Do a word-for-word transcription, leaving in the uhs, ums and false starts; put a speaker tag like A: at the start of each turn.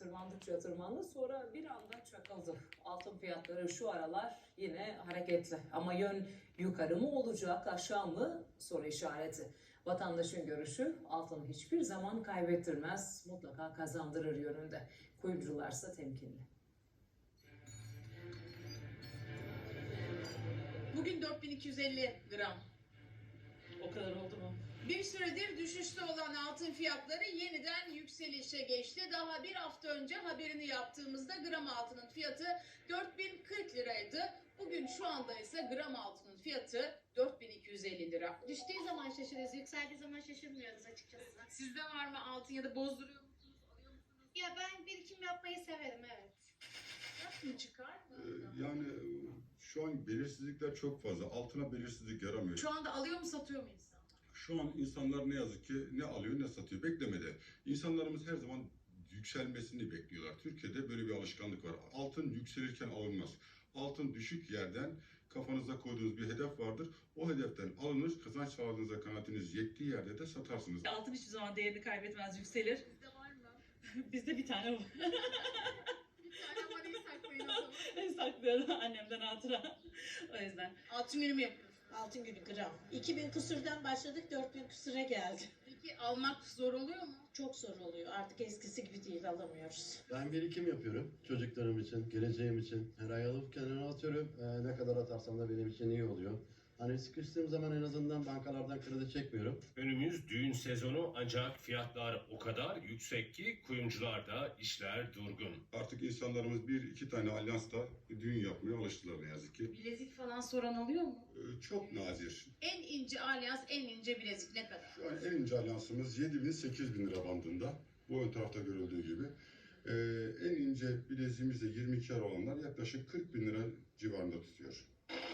A: tırmandıkça tırmandı, sonra bir anda çakıldı. Altın fiyatları şu aralar yine hareketli. Ama yön yukarı mı olacak, aşağı mı soru işareti. Vatandaşın görüşü altın hiçbir zaman kaybettirmez, mutlaka kazandırır yönünde. Kuyumcularsa temkinli.
B: Bugün dört bin iki yüz elli gram.
A: O kadar oldu mu?
B: Bir süredir düşüşte olan altın fiyatları yeniden yükselişe geçti. Daha bir hafta önce haberini yaptığımızda gram altının fiyatı dört bin kırk liraydı. Bugün şu anda ise gram altının fiyatı dört bin iki yüz elli lira.
C: Düştüğü zaman şaşırıyoruz, yükseldiği zaman şaşırmıyoruz açıkçası.
B: Sizde var mı altın ya da bozduruyor musunuz, alıyor musunuz?
C: Ya ben birikim yapmayı severim, evet.
B: Yapın çıkar mı?
D: Ee, Yani şu an belirsizlikler çok fazla. Altına belirsizlik yaramıyor.
B: Şu anda alıyor mu satıyor mu insan?
D: Şu an insanlar ne yazık ki ne alıyor ne satıyor. Beklemede. İnsanlarımız her zaman yükselmesini bekliyorlar. Türkiye'de böyle bir alışkanlık var. Altın yükselirken alınmaz. Altın düşük yerden kafanıza koyduğunuz bir hedef vardır. O hedeften alınır. Kazanç sağladığınızda kanaatiniz yettiği yerde de satarsınız.
E: Altın hiçbir zaman değerini kaybetmez, yükselir.
B: Sizde var mı?
E: Bizde bir tane var.
B: Bir tane parayı saklayın o zaman.
E: Saklıyorum annemden hatıra. O yüzden.
B: Altın günü mü yapıyorsunuz?
F: Altın günü gram. iki bin küsürden başladık, dört bin küsüre geldi.
B: Peki almak zor oluyor mu?
F: Çok zor oluyor. Artık eskisi gibi değil, alamıyoruz.
G: Ben birikim yapıyorum. Çocuklarım için, geleceğim için. Her ay alıp kenara atıyorum. Ee, ne kadar atarsam da benim için iyi oluyor. Hani sıkıştığım zaman en azından bankalardan kredi çekmiyorum.
H: Önümüz düğün sezonu ancak fiyatlar o kadar yüksek ki kuyumcularda işler durgun.
D: Artık insanlarımız bir iki tane alyansla düğün yapmaya alıştılar ne yazık ki.
B: Bilezik falan soran oluyor mu?
D: Ee, Çok nadir.
B: En ince alyans, en ince bilezik ne kadar?
D: Şu an en ince alyansımız yedi bin sekiz bin lira bandında. Bu ön tarafta görüldüğü gibi. Ee, en ince bileziğimiz de yirmi iki ara olanlar yaklaşık kırk bin lira civarında tutuyor.